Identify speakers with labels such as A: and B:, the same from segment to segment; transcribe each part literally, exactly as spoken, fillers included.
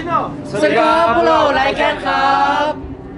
A: แนล
B: สวัสดีครับพวกเราไลแคนครับ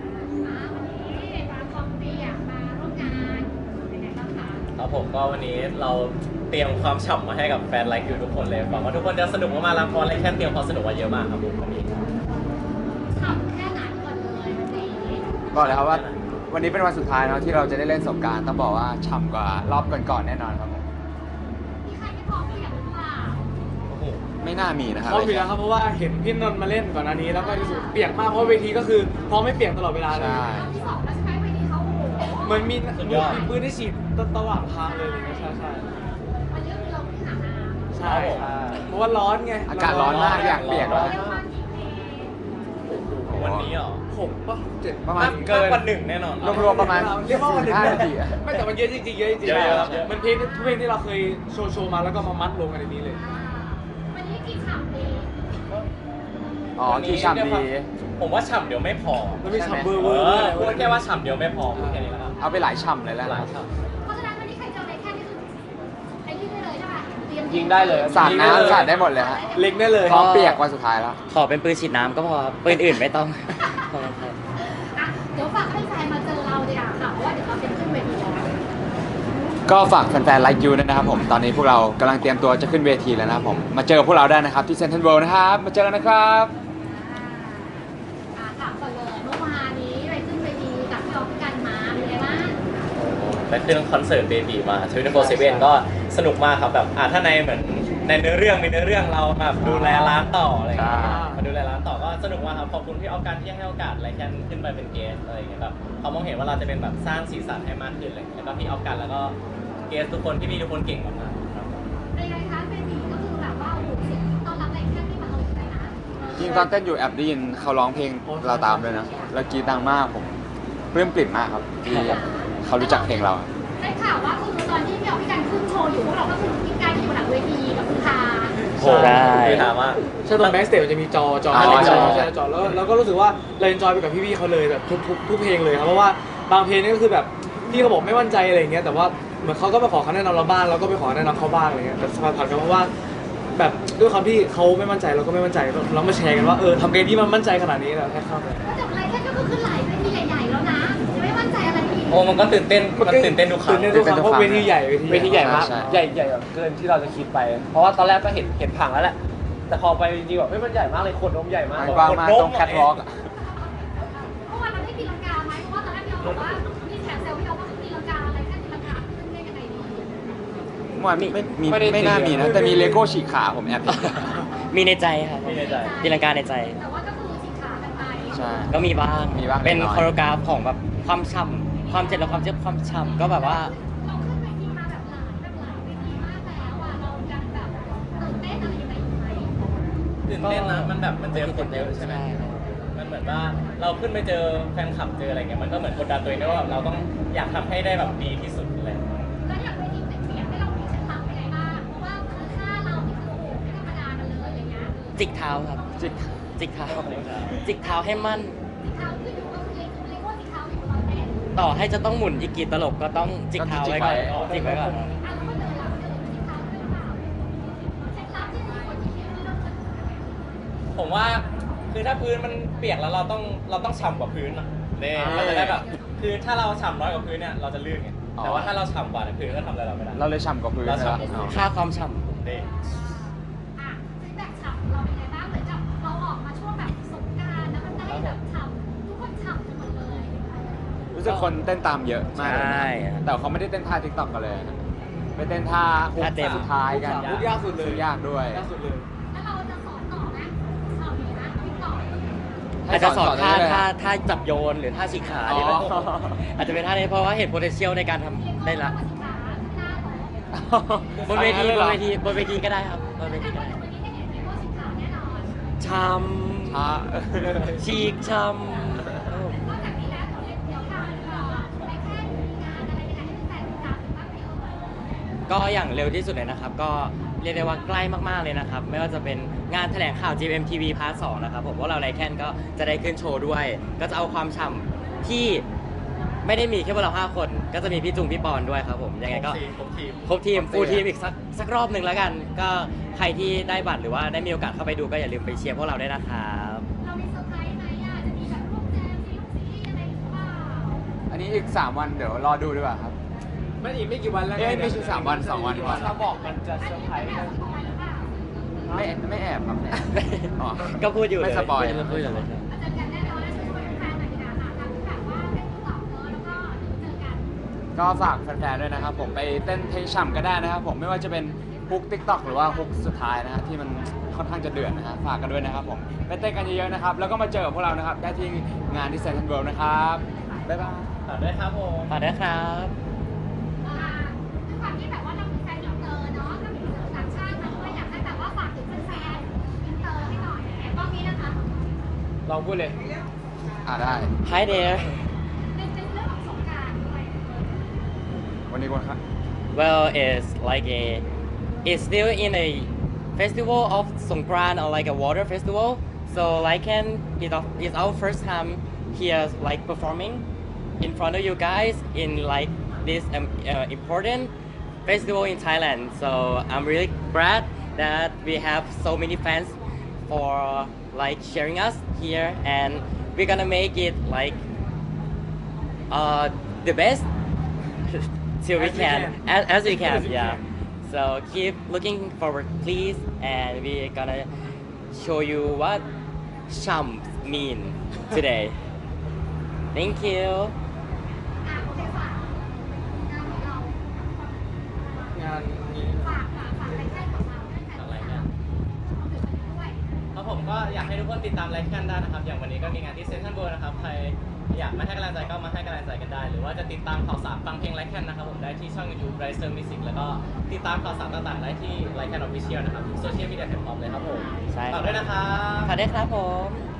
C: ครับผมก็วันนี้เราเตรียมความฉ่ำมาให้กับแฟนไลค์ยูทุกคนเลยหวังว่าทุกคนจะสนุกมากๆแล้วเพราะไลค์แคนเตรียมความสนุกมาเยอะมากครับผมวันนี้
D: ฉ่ำแค่ไหนก่อนเลยวันนี้
B: บอกเลยครับว่าวันนี้เป็นวันสุดท้ายเนาะที่เราจะได้เล่นสงกรานต์ต้องบอกว่าฉ่ำกว่ารอบก่อนๆแน่นอนครับผม
D: มีใครไม่พร้อมเปียกหรือเปล่า
C: โอ้โห
B: ไม่น่ามีนะครับ
A: พร้อมอยู่แล้วครับเพราะว่าเห็นพี่นนท์มาเล่นก่อนหน้านี้แล้วก็รู้สึกเปียกมากเพราะเวทีก็คือพร้อมไม่เปียกตลอดเวลาเลย
B: ใช่
D: รอบที่สองแล้วใช่ไหมวันนี้เขาโอ้โห
A: เหมือนมีมีปืนที่ฉีดตะหว่างทางเลยอะไรเงี้ยใช่ใช่
D: วันนี้คือเราที่หาน้ำ
A: ใช่ใช่เพราะว่าร้อนไง
B: อากาศร้อนมากอยากเปียกแล้ว
D: เรียกว่ากี่เพลง
C: วันนี้เหรอ
A: หกป่ะเจ็ด
B: ประมาณ
C: มากเกินกว่าหนึ่งแน่นอน
B: รวมๆประมาณ
A: เรียกว่าวันหนึ่ง
B: ห้านาทีอะ
A: ไม่แต่มันเยอะจริงๆเยอะจริงๆ
C: เยอะๆครับเยอะ
A: มันเพลงทุกเพลงที่เราเคยโชว์โชว์มาแล้วก็มามัดรวมกันในนี้เลย
D: วันนี้กี่ฉ่ำดี
B: อ๋อที่ฉ่ำดี
C: ผมว่าฉ่ำเดี๋ยวไม่พอ
A: มันมี
B: ใช่ไหม
A: ฉ่ำเบอร์
C: เอ
A: เวอร์
C: อพูดแค่ว่าฉ่ำเดี๋ยวไม่พอพูดแค่นี้แล้วครับ
B: เอาไปหลายฉ่ำเลยแล้ว
C: หลายฉ่ำ
D: เพราะฉะนั้นวันนี้ใครเจออะไรแค่นี้คือไอ้ที่ได้เลยใช่ไหมเตรียม
A: ยิงได้เลย
B: สาดน้ำสาดได้หมดเลยฮะ
A: เล็กได้เลย
B: พร้อมเปียกวันสุดท้ายแล้ว
E: ขอเป็นปืนฉีดน้ำก็พอครับปืนอื่นไม่ต้อง ขอบคุณครับ
D: อ่ะเดี๋ยวฝากให้แฟนมาเจอเราดีกว่าค่ะเพราะว่าเดี๋ยวเราเป็นขึ้นเวทีแล้ว
B: ก็ฝากแฟนๆไลค์ยูด้วยนะครับผมตอนนี้พวกเรากำลังเตรียมตัวจะขึ้นเวทีแล้วนะครับผมมาเจอพวกเราได้นะครับที่เซ็นทรัลเวิลด์นะครับมาเจอกันนะครับ
D: อ่ะถามก่อนเลยเมื่อวานนี้ไปขึ้นเวทีกับพี่ออฟกันมาเป็นไงบ้าง
C: ไปขึ้นคอนเสิร์ตเบบีมาทวิตโฟร์เซเว่นก็สนุกมากครับแบบอ่าถ้าในเหมือนในเนื้อเรื่องมีเนื้อเรื่องเราแบบดูแลร้านต่ออะไรอย่างเงี้ย
B: ใช่
C: มาดูแลร้านต่อก็สนุกมากครับขอบคุณพี่ออฟกันที่ให้โอกาสอะไรแค่ขึ้นไปเป็นเกสอะไรอย่างเงี้ยแบบเขามองเห็นว่าเราจะเป็นแบบสร้างสีสันให้มากขึ้นอะไรอย่างเลยแล้วก็พี่ออฟกันแล้วก็เกสทุกคนที่มีทุกคนเก่งมากๆครับ
D: เป็นไงคะเบบีก็คือแบบว่าโอ้โหเสียงต้อนรับอะไรแค่ที่มาเอาเลยนะ
B: จริงตอนเต้นอยู่แอบได้ยินเขาร้องเพลงเราตามด้วยนะแล้วกรีดดังมากผมปลื้มปริ่มมากครับที่เขารู้จักเพลงเรา
D: ได้ข่าวว่าคือตอนที่พี่ออฟพี่กันขึ้นโชว์อยู่พวกเราก็คือกินกันอยู่หลังเวทีกับคุณตา
C: โห
E: ใช่
C: คือถามว่า
A: ใช่ตรงแบ็กสเตจมันจะมีจอจอ
B: อ๋อ
A: จอ
B: ใช่
A: ใช่จอแล้วเราก็รู้สึกว่าเราเอนจอยไปกับพี่ๆเขาเลยแบบทุกทุกทุกเพลงเลยครับเพราะว่าบางเพลงนี่ก็คือแบบพี่เขาบอกไม่มั่นใจอะไรอย่างเงี้ยแต่ว่าเหมือนเขาก็มาขอคำแนะนำเราบ้างเราก็ไปขอแนะนำเขาบ้างอะไรเงี้ยแต่ผ่านๆกันเพราะว่าแบบด้วยความที่เขาไม่มั่นใจเราก็ไม่มั่นใจเรามาแชร์กันว่าเออทำไงที่มันมั่นใจขนาดนี้เราแค่เข้าไป
D: ก็จากอะไรแค่ก็คือขึ้นหลายเวทีใหญ่ๆแล้วนะจะไม่มั่นใจอะไรอีก
C: โอ้มันก็ตื่นเต้นมันตื่นเต้นทุกครั้ง
A: ตื่นเต้นทุกครั้งเพราะเวทีใหญ่
F: เวทีใหญ่มาก
B: ใช่
F: ใหญ่ใหญ่แบบเกินที่เราจะคิดไป เพราะว่าตอนแรกก็เห็นเห็นผังแล้วแหละ แต่พอไปจริงๆแบบเฮ้ยมันใหญ่มากเลยขนนมใหญ่มาก
B: มันกว้างมากตรงแคทวอล์ก
D: เมื่อวานเราได้ตีลังกาไหมเพราะว่าตอนแรกพี่ออฟบอกว่ามีแขกเซลล์พี่ออฟว่าตีลังกาอะไรแค่ตีลังกาขึ้นได้ยังไงดี
B: เมื่อวานไม่มีไม่น่ามีนะ แต่มีเลโก้ฉีกขาผมแอบเห็น
E: มีในใจครับ
C: มีในใจ
E: ตีลังกาในใจ
D: แต่ว่าก็คือฉีกขากันไป
B: ใช่
E: ก็มีบ้าง
B: มีบ้าง
E: เป็น
B: เล็กน้อย
E: โคโรกราฟของแบบความฉ่ำความเจ็บและความเจ็บความฉ่ำก็แบบว่า
D: เราขึ้นเวทีมาแบบหลายแบบหลายเวทีมากแล้วอ่ะเรายังแบบตื่นเต้นอะไรยังไงอยู่ไหม
C: ตื่นเต้นนะมันแบบมันเจอคนเยอะใช่ไหม
E: ใช่ครับ
C: มันเหมือนว่าเราขึ้นไปเจอแฟนคลับเจออะไรเงี้ยมันก็เหมือนกดดันตัวเองด้วยว่าแบบเราต้องอยากทำให้ได้แบบดีที่สุดเลย
D: แล้วอย่างเวทีเปลี่ยนให้เรามีเคล็ดลับยังไงบ้างเพราะว่าคือท่าเรานี่คือโอ้โหไม่ธรรมดากันเลยอย่างเงี้ย
E: จิกเท้าครับ
B: จิก
E: จิกเท้าจิกเท้าให้มั่น
D: สีเท้าคืออยู่ก็คือเล็กเล็กว่าสีเท้าอยู่ตอนเต้น
E: ต่อให้จะต้องหมุนอีกกี่ตลบก็ต้องจิกเท้าไว้ก่อนจิกไว้ก่อน
D: อ่ะแล้วก็เดินเราเดินสีเท้าด้วยหรือเปล่าเคล็ดลับที่ดีกว่าที่คิดไม่ต้อง
C: ผมว่าคือถ้าพื้นมันเปียกแล้วเราต้องเราต้องฉ่ำกว่าพื้นอ่ะเนี่ยมันจะได้แบบคือถ้าเราฉ่ำน้อยกว่าพื้นเนี่ยเราจะลื่นไงแต่ว่าถ้าเราฉ่ำกว่าเนี่ยพื้นก็ทำอะไรเราไม่ได้
B: เราเลยฉ่ำกว่าพื้น
C: เรา
B: นะ
C: ฉ่ำกว่าพื้น
E: ค่าความฉ่
C: นี่
D: อ่ะฟีดแบ็กฉ่ำเราเป็นไงบ้างเหมือนกับเราออกมาช่วงแบบสงกรานต์แล้วมันได้แบบฉ่ำทุกคนฉ่ำกันหมดเลย
B: รู้สึกคนเต้นตามเยอะ
E: ำ
B: มากเลย
E: ใช่
B: นะแต่เขาไม่ได้เต้นท่าทิกตอกกันเลยนะไปเต้นท่าฮุก
E: ท่าเต้น
B: สุดท้ายกัน
A: ฮุกยากสุดเลย
B: ฮุกยากด้วย
A: ล่าสุดเลย
D: แล้วเราจะสอนต่อไหมฉ่ำนี้นะพี่ต่อ
E: อาจจะสอนท่า
B: ได้เลย
E: ท่าท่าจับโยนหรือท่าฉีกขานี่แหละ
B: อ๋อ
E: อาจจะเป็นท่านี้เพราะว่าเห็น potential ในการทำได้ละ บนเวทีบนเวทีบนเวทีก็ได้ครับบนเวทีก็ได้ช้
B: ท่า
E: ำฉีกช้ำก็อย่างเร็วที่สุดเลยนะครับ ก็เรียกได้ว่าใกล้มากๆเลยนะครับ ไม่ว่าจะเป็นงานแถลงข่าว จี เอ็ม ที วี พาร์ท สองนะครับผมว่าเราไลแคนก็จะได้ขึ้นโชว์ด้วย ก็จะเอาความฉ่ำที่ไม่ได้มีแค่พวกเราห้าคน ก็จะมีพี่จุงพี่ปอนด้วยครับผมยังไงก็
C: ครบทีม
E: ครบทีมฟูลทีมอีกสักสักรอบหนึ่งแล้วกัน ก็ใครที่ได้บัตรหรือว่าได้มีโอกาสเข้าไปดูก็อย่าลืมไปเชียร์พวกเราด้วยนะครับ
B: นนี้อีกสามวันเดี๋ยวรอดูดีกว่าครับ
A: ไม่อีกไม่กี่วันแล้ว
B: เอ้ยไม่ใช่สามวันสองวันก่อน
F: ถ้าบอกมันจะเซอร์ไพรส์กัน
B: ไม่ไม่แอบครับอ๋อ
E: ก็พูดอยู่เลย
B: ไม่สปอย
E: พูดอยู่เลย
D: มาเจอกันแน่นอนและช่วยแฟนๆหน่อยดีกว่าค่ะทำแบบว่าเป็นตอบเนอะแล้วก็เจอกัน
B: ก็ฝากแฟนๆด้วยนะครับผมไปเต้นเพลงฉ่ำก็ได้นะครับผมไม่ว่าจะเป็นฮุกติ๊กต็อกหรือว่าฮุกสุดท้ายนะฮะที่มันค่อนข้างจะเดือดนะฮะฝากกันด้วยนะครับผมไปเต้นกันเยอะๆนะครับแล้วก็มาเจอกับพวกเรานะครับได้ที่งานที่เซ็นทรัลเวิลด์นะครับบ๊ายบาย
C: ฝากด้วยครับผม
E: ฝากด้วยครับ
D: อ่าด้วยความที่แบบว่าเรามีแฟนอินเตอร์เนาะก็มีสื่อต่างชาติมาด้วยอยากให้แบบว่าฝากถึงแฟนๆอินเตอร์ให้หน่อยกล้องนี้นะคะ
F: ลองพูดเลย
B: อ่าได้
E: Hi there
D: เป็นเป็นเรื่องของสงกรานต์ด้วย
B: วันนี้คนครับ
E: well it's like a it's still in a festival of Songkran or like a water festival so like can it it's our first time here like performing in front of you guys in like this um, uh, important festival in Thailand so I'm really glad that we have so many fans for like sharing us here and we're gonna make it like uh, the best till we
A: As we
E: can,
A: can.
E: As, as we can
A: As we
E: yeah
A: can.
E: so keep looking forward please and we're gonna show you what chums mean today thank you
D: อ่ะโอเคฝากงานของเรา
A: งานนี้
D: ฝากฝากฝากรายการของเราด้วยค่ะ
C: อะไรเนี่ย
D: เอาถึงวันนี้ด้วย
C: ครับผมก็อยากให้ทุกคนติดตามไลฟ์กันได้นะครับ อย่างวันนี้ก็มีงานที่เซ็นทรัลเวิลด์นะครับ ใครอยากมาให้กำลังใจก็มาให้กำลังใจกันได้ หรือว่าจะติดตามข่าวสารฟังเพลงไลฟ์แคนนะครับผมได้ที่ช่อง YouTube Riser Music แล้วก็ติดตามข่าวสารต่างๆได้ที่ไลฟ์แคนออฟฟิเชียลนะครับโซเชียลมีเดียแพลตฟอร์มเลยครับผม
E: ใช่ครับ
C: ฝากด้วยนะครับ
E: ฝากด้วยครับผม